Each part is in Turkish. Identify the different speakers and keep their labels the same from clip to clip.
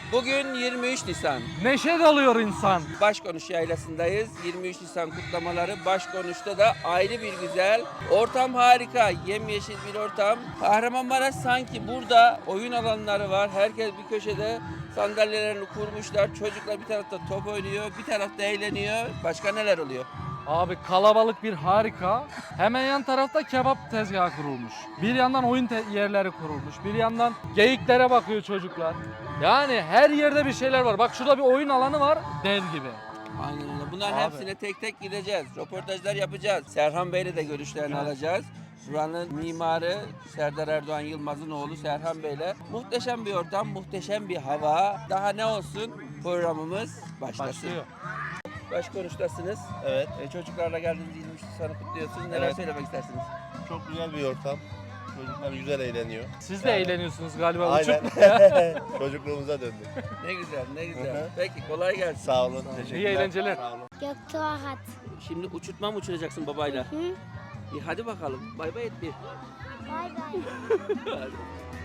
Speaker 1: Bugün 23 Nisan.
Speaker 2: Neşe dalıyor insan.
Speaker 1: Başkonuş Yaylası'ndayız. 23 Nisan kutlamaları. Başkonuş'ta da ayrı bir güzel. Ortam harika. Yemyeşil bir ortam. Kahramanmaraş sanki burada oyun alanları var. Herkes bir köşede sandalyelerini kurmuşlar. Çocuklar bir tarafta top oynuyor, bir tarafta eğleniyor. Başka neler oluyor?
Speaker 2: Abi kalabalık bir harika. Hemen yan tarafta kebap tezgahı kurulmuş. Bir yandan oyun yerleri kurulmuş. Bir yandan geyiklere bakıyor çocuklar. Yani her yerde bir şeyler var. Bak şurada bir oyun alanı var. Dev gibi.
Speaker 1: Aynen öyle. Bunların
Speaker 2: Abi.
Speaker 1: hepsine tek tek gideceğiz. Röportajlar yapacağız. Serhan Bey'le de görüşlerini
Speaker 2: Evet.
Speaker 1: alacağız. Buranın mimarı Serdar Erdoğan Yılmaz'ın oğlu Serhan Bey'le. Muhteşem bir ortam, muhteşem bir hava. Daha ne olsun? Programımız başlasın.
Speaker 2: Başlıyor.
Speaker 1: Başkonuştasınız.
Speaker 3: Evet,
Speaker 1: Çocuklarla geldiğiniz 23 Nisan'ı kutluyorsunuz. Neler
Speaker 3: Evet.
Speaker 1: söylemek istersiniz?
Speaker 3: çok güzel bir ortam. Çocuklar güzel eğleniyor.
Speaker 2: Siz de eğleniyorsunuz galiba.
Speaker 3: Aynen.
Speaker 2: Uçuk.
Speaker 3: Çocukluğumuza döndük.
Speaker 1: Ne güzel, ne
Speaker 3: Hı
Speaker 1: güzel.
Speaker 3: hı.
Speaker 1: Peki kolay gelsin.
Speaker 3: Sağ olun, teşekkürler.
Speaker 2: İyi eğlenceler.
Speaker 3: Sağ olun.
Speaker 4: Göktuğ
Speaker 1: Şimdi uçurtma mı uçuracaksın babayla?
Speaker 4: Hı?
Speaker 1: İyi hadi bakalım. Bay bay et bir.
Speaker 4: Bay bay.
Speaker 1: Hadi.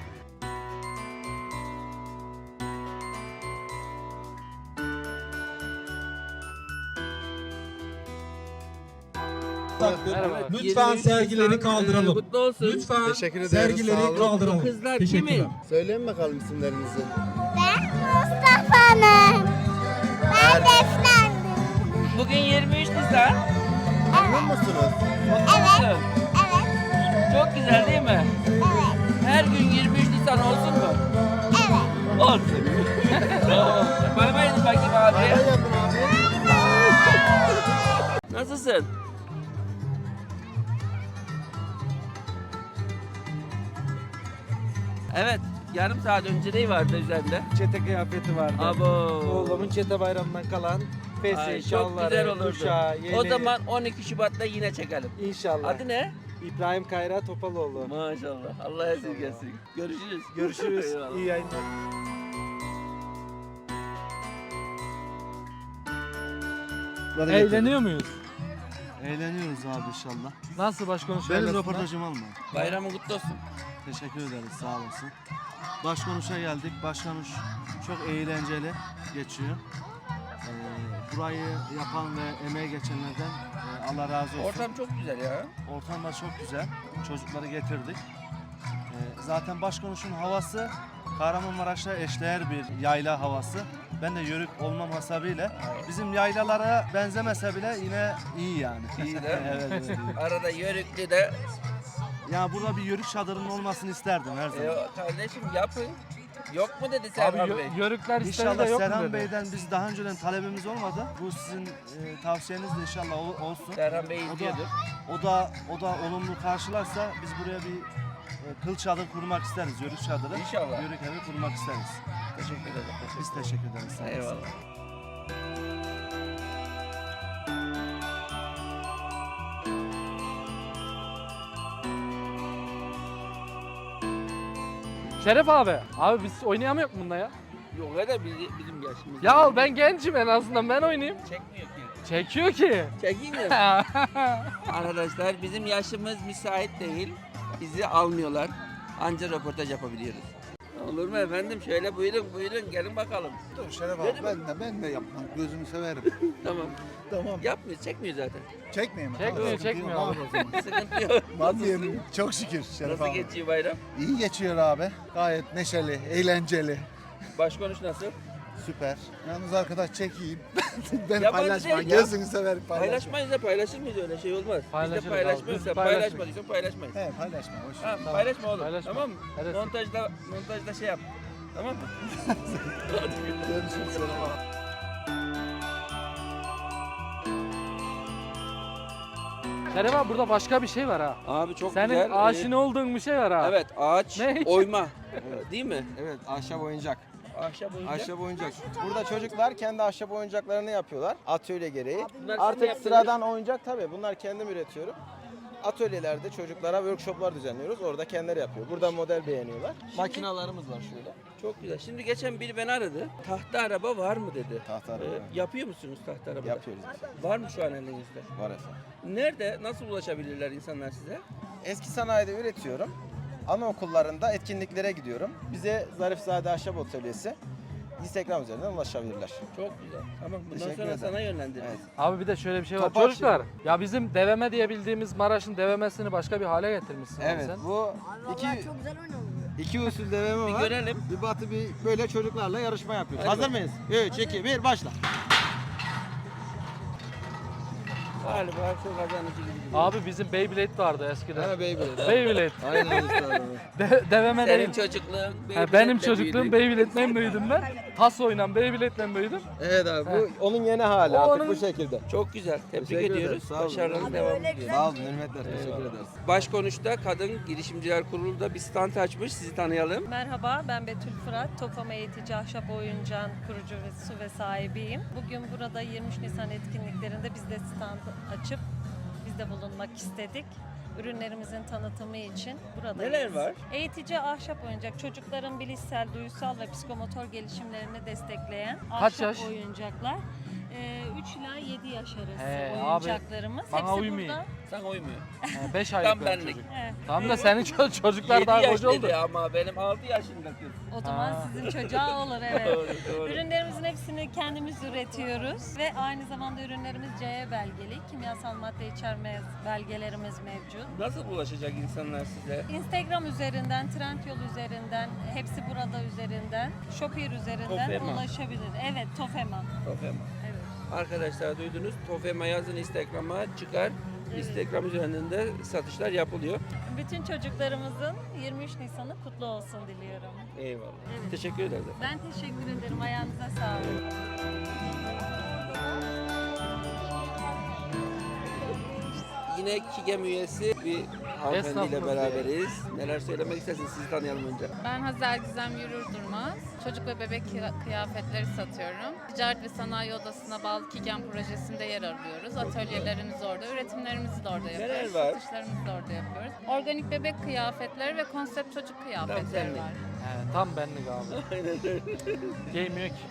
Speaker 2: Merhaba.
Speaker 5: Lütfen
Speaker 1: 23
Speaker 5: sergileri
Speaker 1: Nisan,
Speaker 5: kaldıralım.
Speaker 1: Kutlu olsun.
Speaker 5: Lütfen
Speaker 3: Teşekkür ederiz, sağ
Speaker 5: sergileri
Speaker 3: olun.
Speaker 5: kaldıralım.
Speaker 1: Kızlar
Speaker 5: Teşekkürler.
Speaker 1: kimin?
Speaker 3: Söyleyin bakalım isimlerinizi.
Speaker 4: Ben Mustafa'nın. Ben Defne'ndim.
Speaker 1: Bugün 23 Nisan.
Speaker 3: Memnun musunuz?
Speaker 4: Evet. Evet.
Speaker 1: Çok güzel değil mi?
Speaker 4: Evet.
Speaker 1: Her gün 23 Nisan olsun mu?
Speaker 4: Evet.
Speaker 1: Olsun. Bay bay edin bakayım abi.
Speaker 3: Bay bay yapın abi.
Speaker 1: Nasılsın? Evet. Yarım saat önce ne vardı üzerinde?
Speaker 6: Çete kıyafeti vardı.
Speaker 1: Abo.
Speaker 6: Oğlumun çete bayramından kalan
Speaker 1: Ay,
Speaker 6: fesi,
Speaker 1: çok
Speaker 6: şalları,
Speaker 1: güzel olurdu.
Speaker 6: kuşağı,
Speaker 1: O
Speaker 6: yeleği.
Speaker 1: zaman 12 Şubat'ta yine çekelim.
Speaker 6: İnşallah.
Speaker 1: Adı ne?
Speaker 6: İbrahim Kayra Topaloğlu.
Speaker 1: Maşallah. Allah esirgesin. Görüşürüz.
Speaker 6: Görüşürüz.
Speaker 1: Eyvallah.
Speaker 6: İyi yayınlar.
Speaker 2: Eğleniyor muyuz?
Speaker 7: Eğleniyoruz abi inşallah.
Speaker 2: Nasıl başkonuş
Speaker 7: Benim
Speaker 2: Yaylası'nda?
Speaker 7: röportajımı alma.
Speaker 1: Bayramın kutlu olsun.
Speaker 7: Teşekkür ederiz, sağ olasın. Başkonuşa geldik. Başkonuş çok eğlenceli geçiyor. Burayı yapan ve emeği geçenlerden Allah razı olsun.
Speaker 1: Ortam çok güzel ya.
Speaker 7: Ortam da çok güzel. Çocukları getirdik. Zaten başkonuşun havası Kahramanmaraş'la eşdeğer bir yayla havası. Ben de yörük olmam hasebiyle bizim yaylalara benzemese bile yine iyi yani.
Speaker 1: İyi de.
Speaker 7: Evet, evet, iyi.
Speaker 1: Arada Yörüklü de
Speaker 7: Ya burada bir yörük çadırının olmasını isterdim her zaman.
Speaker 1: kardeşim yapın. Yok mu dedi
Speaker 2: Abi
Speaker 1: Serhan Bey?
Speaker 2: yörükler istedi de
Speaker 7: İnşallah
Speaker 2: yok mu
Speaker 7: Serhan
Speaker 2: dedi?
Speaker 7: Bey'den biz daha önceden talebimiz olmadı. Bu sizin tavsiyeniz de inşallah olsun.
Speaker 1: Serhan Bey
Speaker 7: O da,
Speaker 1: izliyordur.
Speaker 7: o da olumlu karşılarsa biz buraya bir kıl çadır kurmak isteriz, yörük çadırı.
Speaker 1: İnşallah.
Speaker 7: Yörük evi kurmak isteriz.
Speaker 1: Teşekkür ederim.
Speaker 7: Biz teşekkür ederiz. Sağ olasın.
Speaker 1: Eyvallah.
Speaker 2: Şeref abi. Abi biz oynayamıyor mu bunda ya?
Speaker 1: Yok öyle bizim yaşımız.
Speaker 2: Ya ben gencim en azından ben oynayayım.
Speaker 1: Çekmiyor ki.
Speaker 2: Çekiyor ki.
Speaker 1: Çekeyim mi? Arkadaşlar bizim yaşımız müsait değil. Bizi almıyorlar. Anca röportaj yapabiliyoruz. Olur mu efendim? Şöyle buyurun gelin bakalım.
Speaker 8: Dur Şeref
Speaker 1: Dedim.
Speaker 8: abi ben de yapmam. Gözünü severim.
Speaker 1: Tamam.
Speaker 8: Tamam.
Speaker 1: Yapmıyor, çekmiyor zaten.
Speaker 8: Çekmeyeyim mi?
Speaker 2: Çekmiyor,
Speaker 8: Tamam,
Speaker 2: çekmiyor
Speaker 8: tamam
Speaker 2: abi.
Speaker 8: o zaman.
Speaker 1: Sıkıntı yok.
Speaker 8: Vazgeçtim. Çok şükür Şeref
Speaker 1: Nasıl
Speaker 8: abi.
Speaker 1: geçiyor bayram?
Speaker 8: İyi geçiyor abi. Gayet neşeli, eğlenceli.
Speaker 1: Başkonuş nasıl?
Speaker 8: Süper. Yalnız arkadaş çekeyim. ben
Speaker 1: Yabancı
Speaker 8: paylaşma.
Speaker 1: değil ya.
Speaker 8: Gözünü severim paylaşma.
Speaker 1: Paylaşmayız da paylaşır mıyız öyle şey olmaz. Biz de
Speaker 2: Paylaşırız
Speaker 1: paylaşmayız.
Speaker 2: abi,
Speaker 1: Sen
Speaker 2: biz paylaşırız.
Speaker 1: paylaşmadıysan paylaşmayız.
Speaker 8: He paylaşma. Hoş.
Speaker 1: Ha,
Speaker 2: Tamam.
Speaker 1: paylaşma oğlum.
Speaker 2: Paylaşma.
Speaker 1: Tamam mı?
Speaker 2: Evet.
Speaker 1: Montajda şey yap. Tamam mı?
Speaker 8: Görüşürüz Şeref abi.
Speaker 2: Şeref abi burada başka bir şey var ha.
Speaker 1: Abi çok
Speaker 2: Senin
Speaker 1: güzel.
Speaker 2: aşina olduğun bir şey var ha.
Speaker 1: Evet ağaç
Speaker 2: Ne?
Speaker 1: oyma. Değil mi?
Speaker 9: Evet, ahşap oyuncak.
Speaker 1: Ahşap oyuncak.
Speaker 9: Ahşap oyuncak. Burada çocuklar kendi ahşap oyuncaklarını yapıyorlar atölye gereği.
Speaker 1: Bunlar senin
Speaker 9: Artık
Speaker 1: yaptığın
Speaker 9: sıradan oyuncak tabii bunlar kendim üretiyorum. Atölyelerde çocuklara workshoplar düzenliyoruz. Orada kendileri yapıyor. Burada model beğeniyorlar. Makinalarımız var şöyle.
Speaker 1: Çok güzel. Şimdi geçen biri beni aradı. Tahta araba var mı dedi.
Speaker 9: Tahta araba.
Speaker 1: Yapıyor musunuz tahta araba?
Speaker 9: Yapıyoruz.
Speaker 1: Var mı şu an elinizde?
Speaker 9: Var efendim.
Speaker 1: Nerede? Nasıl ulaşabilirler insanlar size?
Speaker 9: Eski sanayide üretiyorum. Anaokullarında etkinliklere gidiyorum. Bize Zarifzade Ahşap Atölyesi Instagram üzerinden ulaşabilirler.
Speaker 1: Çok güzel. Tamam bundan
Speaker 9: Teşekkür
Speaker 1: sonra
Speaker 9: ederim.
Speaker 1: sana yönlendiririz.
Speaker 9: Evet.
Speaker 2: Abi bir de şöyle bir şey var.
Speaker 9: Topaç
Speaker 2: Çocuklar ya bizim deveme diye bildiğimiz Maraş'ın devemesini başka bir hale getirmişsin abi
Speaker 9: Evet
Speaker 2: sen.
Speaker 9: bu iki usul deveme
Speaker 1: Bir
Speaker 9: var.
Speaker 1: görelim.
Speaker 9: Bir batı bir böyle çocuklarla yarışma yapıyoruz.
Speaker 1: Hadi
Speaker 9: Hazır mıyız? 3, 2, 1 başla.
Speaker 1: Galiba çok kazanıcı gibi duruyor.
Speaker 2: Abi bizim Beyblade vardı eskiden.
Speaker 9: Ha Beyblade.
Speaker 2: Beyblade.
Speaker 9: Aynen üstadım.
Speaker 2: Deveme
Speaker 1: Senin
Speaker 2: değil.
Speaker 1: çocukluğun
Speaker 2: Ha,
Speaker 1: Beyblade'le
Speaker 2: benim çocukluğum
Speaker 1: büyüdü.
Speaker 2: Beyblade'le büyüdüm ben. Tas oynan Beyblade'le büyüdüm.
Speaker 9: Evet abi bu onun yeni hali
Speaker 2: O
Speaker 9: artık
Speaker 2: onun-
Speaker 9: bu şekilde.
Speaker 1: Çok güzel. Tebrik
Speaker 9: Teşekkür
Speaker 1: ediyoruz.
Speaker 9: ederiz, sağ olun.
Speaker 1: Başarılarınız devam ediyor.
Speaker 9: Sağ olun hürmetler. Teşekkür ederiz.
Speaker 1: Başkonuş'ta Kadın Girişimciler Kurulu da bir stand açmış. Sizi tanıyalım.
Speaker 5: Merhaba, ben Betül Fırat. Tofama Eğitici Ahşap Oyuncağın kurucu ve sahibiyim. Bugün burada 23 Nisan etkinliklerinde biz de stand açıp biz de bulunmak istedik. Ürünlerimizin tanıtımı için buradayız.
Speaker 1: Neler var?
Speaker 5: Eğitici ahşap oyuncak, çocukların bilişsel, duysal ve psikomotor gelişimlerini destekleyen
Speaker 2: Kaç
Speaker 5: ahşap
Speaker 2: yaş?
Speaker 5: oyuncaklar. 3 ila 7 yaş arası
Speaker 2: He, abi,
Speaker 5: oyuncaklarımız.
Speaker 2: bana
Speaker 5: Hepsi
Speaker 2: uymuyor.
Speaker 5: burada.
Speaker 1: Sana uymuyor.
Speaker 2: 5 aylık
Speaker 1: Tam
Speaker 2: bir
Speaker 1: benlik.
Speaker 2: çocuk.
Speaker 5: He.
Speaker 2: Tamam da senin çocuklar
Speaker 1: 7
Speaker 2: daha
Speaker 1: yaş
Speaker 2: koca oldu.
Speaker 1: dedi ama benim 6 yaşında kız.
Speaker 5: O zaman
Speaker 2: Ha.
Speaker 5: sizin çocuğa olur, evet.
Speaker 1: Doğru, doğru.
Speaker 5: Ürünlerimizin hepsini kendimiz üretiyoruz ve aynı zamanda ürünlerimiz CE belgeli, kimyasal madde içermez belgelerimiz mevcut.
Speaker 1: Nasıl ulaşacak insanlar size?
Speaker 5: Instagram üzerinden, Trendyol üzerinden, hepsi burada üzerinden, Shopee üzerinden
Speaker 1: Tofema.
Speaker 5: ulaşabilir. Evet, Tofema.
Speaker 1: Tofema.
Speaker 5: Evet.
Speaker 1: Arkadaşlar duydunuz. Tofema yazın Instagram'a çıkar.
Speaker 5: Evet.
Speaker 1: Instagram üzerinden de satışlar yapılıyor.
Speaker 5: Bütün çocuklarımızın 23 Nisan'ı kutlu olsun diliyorum.
Speaker 1: Eyvallah.
Speaker 5: Evet.
Speaker 1: Teşekkür ederiz.
Speaker 5: Ben teşekkür ederim. Ayağınıza sağlık.
Speaker 1: Yine KİGEM üyesi bir hanımefendiyle
Speaker 2: Esnafımız
Speaker 1: beraberiz. Neler söylemek istersiniz? Sizi tanıyalım önce.
Speaker 10: Ben Hazel Gizem Yürür Durmaz. Çocuk ve bebek kıyafetleri satıyorum. Ticaret ve Sanayi Odası'na bağlı KİGEM projesinde yer alıyoruz. Atölyelerimiz orada, üretimlerimizi de orada
Speaker 1: Neler
Speaker 10: yapıyoruz.
Speaker 1: var?
Speaker 10: Satışlarımızı da orada yapıyoruz. Organik bebek kıyafetleri ve konsept çocuk kıyafetleri
Speaker 1: senlik.
Speaker 10: var.
Speaker 2: He, tam benlik abi.
Speaker 1: Aynen öyle.
Speaker 2: Giymiyor ki.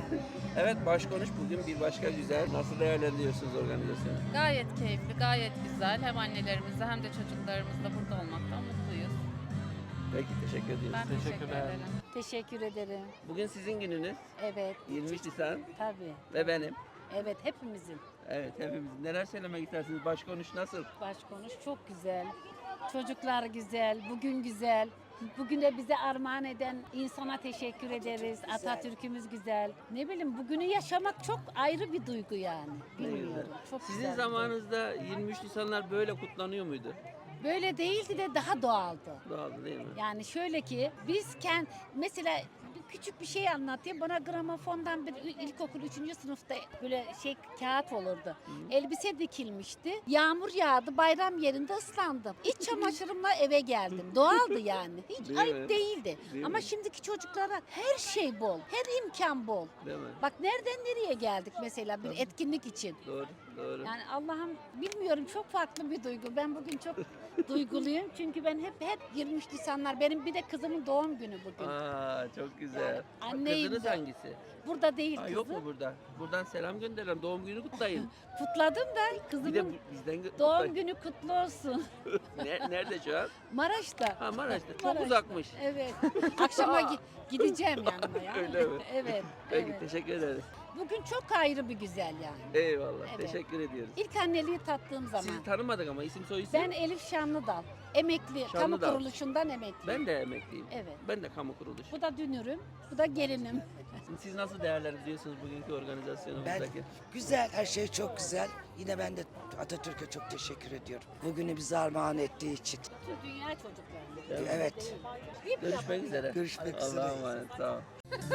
Speaker 1: Evet başkonuş bugün bir başka güzel. Nasıl değerlendiriyorsunuz organizasyonu?
Speaker 10: Gayet keyifli, gayet güzel. Hem annelerimizle hem de çocuklarımızla burada olmaktan mutluyuz.
Speaker 1: Peki teşekkür ediyoruz.
Speaker 10: Ben teşekkür
Speaker 2: Teşekkürler.
Speaker 10: ederim.
Speaker 11: Teşekkür ederim.
Speaker 1: Bugün sizin gününüz.
Speaker 11: Evet,
Speaker 1: 23 Nisan
Speaker 11: tabii.
Speaker 1: ve benim.
Speaker 11: Evet, hepimizin.
Speaker 1: Evet hepimiz. Neler söylemek istersiniz? Başkonuş nasıl?
Speaker 11: Başkonuş çok güzel. Çocuklar güzel, bugün güzel. Bugün de bize armağan eden insana teşekkür ederiz. Atatürk'ümüz güzel. Ne bileyim bugünü yaşamak çok ayrı bir duygu yani.
Speaker 1: Ne güzel.
Speaker 11: Bilmiyorum. Çok
Speaker 1: Sizin
Speaker 11: güzel.
Speaker 1: zamanınızda 23 Nisanlar böyle kutlanıyor muydu?
Speaker 11: Böyle değildi de daha doğaldı.
Speaker 1: Doğaldı değil mi?
Speaker 11: Yani şöyle ki biz mesela küçük bir şey anlatayım. Bana gramofondan bir ilkokul 3. sınıfta böyle kağıt olurdu. Elbise dikilmişti. Yağmur yağdı. Bayram yerinde ıslandım. İç çamaşırımla eve geldim. Doğaldı yani. Hiç
Speaker 1: Değil
Speaker 11: ayıp
Speaker 1: mi?
Speaker 11: değildi.
Speaker 1: Değil
Speaker 11: Ama
Speaker 1: mi?
Speaker 11: şimdiki çocuklara her şey bol. Her imkan bol.
Speaker 1: Değil mi?
Speaker 11: Bak nereden nereye geldik mesela bir etkinlik için.
Speaker 1: Doğru, doğru.
Speaker 11: Yani Allah'ım bilmiyorum çok farklı bir duygu. Ben bugün çok duyguluyum. Çünkü ben hep 23 Nisanlar. Benim bir de kızımın doğum günü bugün.
Speaker 1: Aa çok güzel.
Speaker 11: Yani anneyim
Speaker 1: Kızınız
Speaker 11: de.
Speaker 1: hangisi?
Speaker 11: Burada değil
Speaker 1: Aa,
Speaker 11: kızım.
Speaker 1: yok mu burada? Buradan selam gönderelim. Doğum günü kutlayın.
Speaker 11: Kutladım da
Speaker 1: Bir de
Speaker 11: kızımın
Speaker 1: bizden
Speaker 11: doğum
Speaker 1: kutlayın.
Speaker 11: günü kutlu olsun.
Speaker 1: Nerede şu an?
Speaker 11: Maraş'ta.
Speaker 1: Ha Maraş'ta. Çok
Speaker 11: Maraş'ta.
Speaker 1: uzakmış.
Speaker 11: Evet. Akşama gideceğim yanına ya.
Speaker 1: Öyle mi?
Speaker 11: Evet.
Speaker 1: Peki
Speaker 11: evet.
Speaker 1: teşekkür ederiz.
Speaker 11: Bugün çok ayrı bir güzel yani.
Speaker 1: Eyvallah.
Speaker 11: Evet.
Speaker 1: Teşekkür ediyoruz.
Speaker 11: İlk anneliği tattığım zaman.
Speaker 1: Sizi tanımadık ama isim soy isim.
Speaker 11: Ben Elif Şanlıdal. Emekli. Kamu
Speaker 1: Şanlıdal.
Speaker 11: kuruluşundan emekli.
Speaker 1: Ben de emekliyim.
Speaker 11: Evet.
Speaker 1: Ben de kamu kuruluşu.
Speaker 11: Bu da dünürüm. Bu da gelinim.
Speaker 1: Şimdi siz nasıl değerlendiriyorsunuz bugünkü organizasyonumuzdaki?
Speaker 12: Güzel, her şey çok güzel. Yine ben de Atatürk'e çok teşekkür ediyorum. Bugünü bize armağan ettiği için.
Speaker 11: Dünya çocukları.
Speaker 12: Evet,
Speaker 1: Görüşmek üzere.
Speaker 12: görüşmek üzere.
Speaker 1: Allah'a emanet. Sağ ol.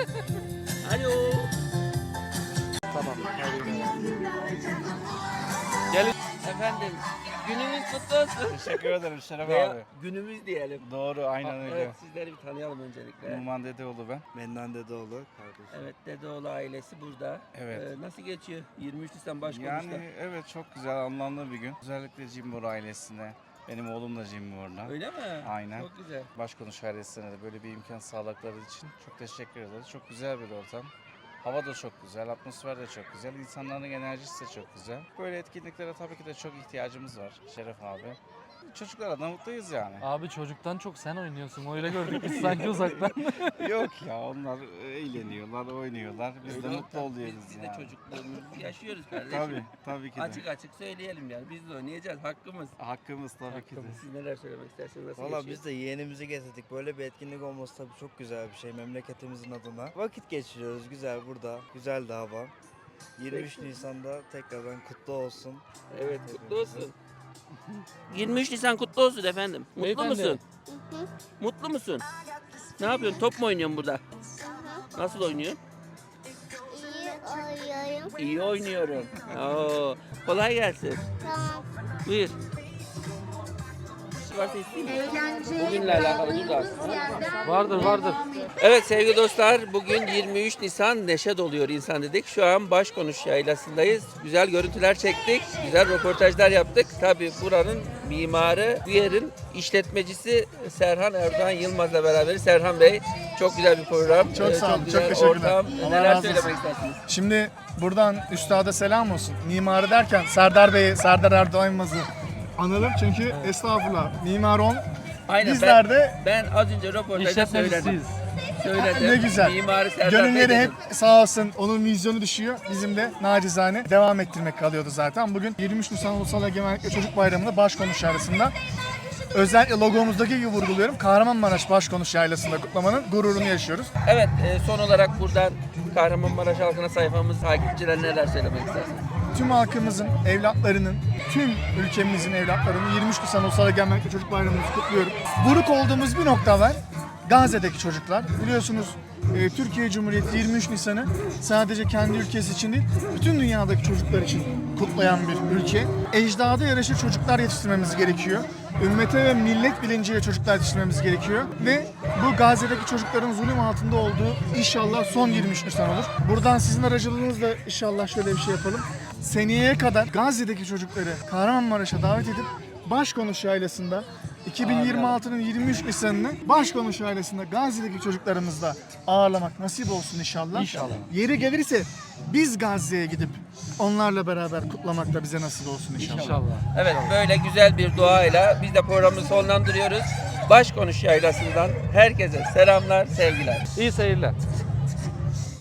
Speaker 1: Alo.
Speaker 2: Tamam.
Speaker 1: Efendim günümüz kutlu olsun.
Speaker 6: Teşekkür ederim Şeref
Speaker 1: Veya günümüz diyelim.
Speaker 6: Doğru, aynen öyle.
Speaker 1: Evet sizleri bir tanıyalım öncelikle.
Speaker 6: Numan Dedeoğlu ben.
Speaker 3: Mennan Dedeoğlu kardeşim.
Speaker 1: Evet Dedeoğlu ailesi burada.
Speaker 6: Evet.
Speaker 1: Nasıl geçiyor 23 Nisan başkonuşta?
Speaker 6: Yani evet çok güzel, anlamlı bir gün. Özellikle Cimbor ailesine. Benim oğlum da Cimbor'da.
Speaker 1: Öyle mi?
Speaker 6: Aynen.
Speaker 1: Çok güzel.
Speaker 6: Başkonuş ailesine de böyle bir imkan sağladıkları için çok teşekkür ederiz. Çok güzel bir ortam. Hava da çok güzel, atmosfer de çok güzel, insanların enerjisi de çok güzel. Böyle etkinliklere tabii ki de çok ihtiyacımız var Şeref abi. çocuklara da mutluyuz yani.
Speaker 2: Abi çocuktan çok sen oynuyorsun. Öyle gördük biz sanki uzaktan.
Speaker 6: Yok ya, onlar eğleniyorlar, oynuyorlar. Biz de mutlu oluyoruz
Speaker 1: Biz de
Speaker 6: yani.
Speaker 1: çocukluğumuzu yaşıyoruz kardeşim.
Speaker 6: Tabii ki de.
Speaker 1: Açık açık söyleyelim yani. Biz de oynayacağız. Hakkımız.
Speaker 6: Hakkımız tabii ki de.
Speaker 1: Siz neler söylemek istersiniz? Nasıl
Speaker 13: Valla
Speaker 1: geçiyor?
Speaker 13: biz de yeğenimizi getirdik. Böyle bir etkinlik olması tabii çok güzel bir şey memleketimizin adına. Vakit geçiriyoruz güzel burada. Güzel de hava. 23 Nisan'da tekrardan kutlu olsun.
Speaker 1: Evet, kutlu olsun. 23 Nisan kutlu olsun efendim. Mutlu
Speaker 2: Beyefendi.
Speaker 1: musun? Mutlu musun? Ne yapıyorsun? Top mu oynuyorsun burada? Nasıl oynuyorsun?
Speaker 4: İyi oynuyorum.
Speaker 1: İyi oynuyorum. Oo, kolay gelsin.
Speaker 4: Tamam.
Speaker 1: Buyur. Bir şey varsa isteyeyim mi? Bugünle alakalı dur da.
Speaker 2: Vardır.
Speaker 1: Evet sevgili dostlar, bugün 23 Nisan neşe doluyor insan dedik. Şu an Başkonuş Yaylası'ndayız. Güzel görüntüler çektik, güzel röportajlar yaptık. Tabii buranın mimarı, bu yerin işletmecisi Serhan Erdoğan Yılmaz'la beraber. Serhan Bey, çok güzel bir program.
Speaker 8: Çok sağ olun,
Speaker 1: güzel
Speaker 8: çok teşekkürler.
Speaker 1: ortam.
Speaker 8: Allah
Speaker 1: Neler
Speaker 8: razı
Speaker 1: söylemek
Speaker 8: olsun.
Speaker 1: istersiniz?
Speaker 8: Şimdi buradan üstada selam olsun. Mimarı derken Serdar Bey'i, Serdar Erdoğan Yılmaz'ı analım. Çünkü estağfurullah mimar on.
Speaker 1: Aynen,
Speaker 8: Bizler de
Speaker 1: ben az önce röportajda söyledim.
Speaker 2: İşletmecisiyiz.
Speaker 1: Söyledim.
Speaker 8: ne güzel.
Speaker 1: Mimarı Serdar Bey
Speaker 8: Gönülleri hep
Speaker 1: dedim.
Speaker 8: sağ olsun, onun vizyonu düşüyor. Bizim de nacizane devam ettirmek kalıyordu zaten. Bugün 23 Nisan Ulusal Egemenlik ve Çocuk Bayramı'nda Başkonuş Yaylası'nda özellikle logomuzdaki gibi vurguluyorum. Kahramanmaraş Başkonuş Yaylası'nda kutlamanın gururunu yaşıyoruz.
Speaker 1: Evet, son olarak buradan Kahramanmaraş halkına sayfamız takipçilerine neler söylemek istersiniz?
Speaker 8: Tüm halkımızın, evlatlarının, tüm ülkemizin evlatlarının 23 Nisan Ulusal Egemenlik ve Çocuk Bayramımızı kutluyorum. Buruk olduğumuz bir nokta var. Gazze'deki çocuklar. Biliyorsunuz Türkiye Cumhuriyeti 23 Nisan'ı sadece kendi ülkesi için değil, bütün dünyadaki çocuklar için kutlayan bir ülke. Ecdada yaraşır çocuklar yetiştirmemiz gerekiyor. Ümmete ve millet bilinciyle çocuklar yetiştirmemiz gerekiyor. Ve bu Gazze'deki çocukların zulüm altında olduğu inşallah son 23 Nisan olur. Buradan sizin aracılığınızla inşallah şöyle bir şey yapalım. Seneye kadar Gazze'deki çocukları Kahramanmaraş'a davet edip Başkonuş Yaylası'nda 2026'nın 23 Nisan'ını Başkonuş Yaylası'nda Gazze'deki çocuklarımızla ağırlamak nasip olsun inşallah.
Speaker 2: İnşallah.
Speaker 8: Yeri gelirse biz Gazze'ye gidip onlarla beraber kutlamak da bize nasip olsun inşallah.
Speaker 2: İnşallah.
Speaker 1: Evet, böyle güzel bir duayla biz de programımızı sonlandırıyoruz. Başkonuş Yaylası'ndan herkese selamlar, sevgiler.
Speaker 2: İyi seyirler.